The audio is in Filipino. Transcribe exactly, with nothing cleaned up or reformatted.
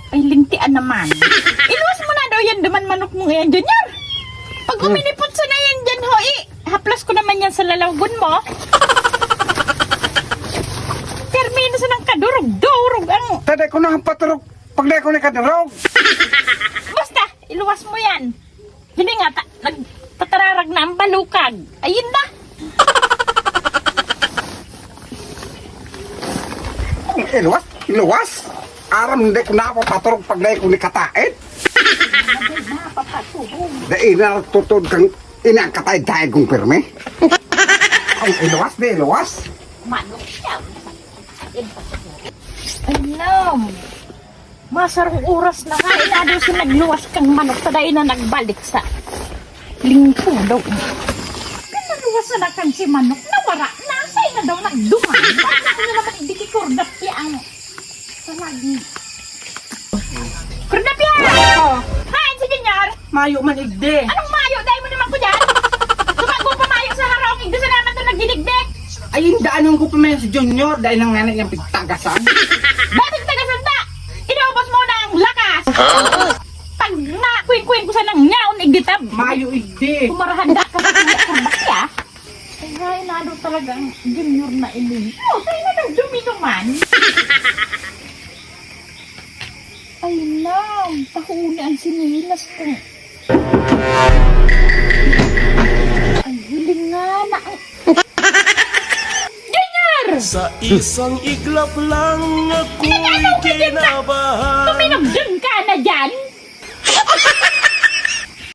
Ay, lintian naman. Iluwas mo na daw yan daman manok mo yan, Junior. Pag uminipot sa na yan dyan, ho, eh, haplas ko naman yan sa lalawgon mo. Termino sa ng kadurog-durog ang... Taday ko na ang paturog. Pag di ko na kadarog. Basta, iluwas mo yan. Hindi nga, ta nagtatararag na ang balukag. Ayun na. Iluwas? Iluwas? Aram hindi ko na ako paturog pag di ko ni katait. Dahil na tutod kang inangkatay-tay kong pirme. Ay, iluwas di, iluwas. Manok siya. Alam. Masarong oras na nga. Inado si nagluwas kang manok. Taday na nagbalik sa lingkong daw. Pinaluwas na na kang si manok. Nawara. Nasay na daw nagduman. Bakit na naman ibikikordap ang sa lagi. Kordap yan! Oh, Hain si Junior! mayo man igde. Anong mayo? Dahil mo naman ko dyan! Tumago pa mayo sa harong. Igdo sa naman ito nagdiligdig. Ay, daanon ko pa man si Junior dahil ang nanay niyang pigtagasan. Bakit taga-sanda? Inubos mo na ang lakas! Pag nakuin-kuin ko sa nang nyaon, igditab. Mayo igde. Kumarahan ka sa kanya. Ay, ay, nado talaga ang Junior na ini. Oh, tayo na nang dumi naman. Ay, lang. Pahuli ang sinilas ko. Ay, hiling nga na. Junior! Sa isang iglap lang ako'y Pinag-ano ka din na? kinabahan. Tumino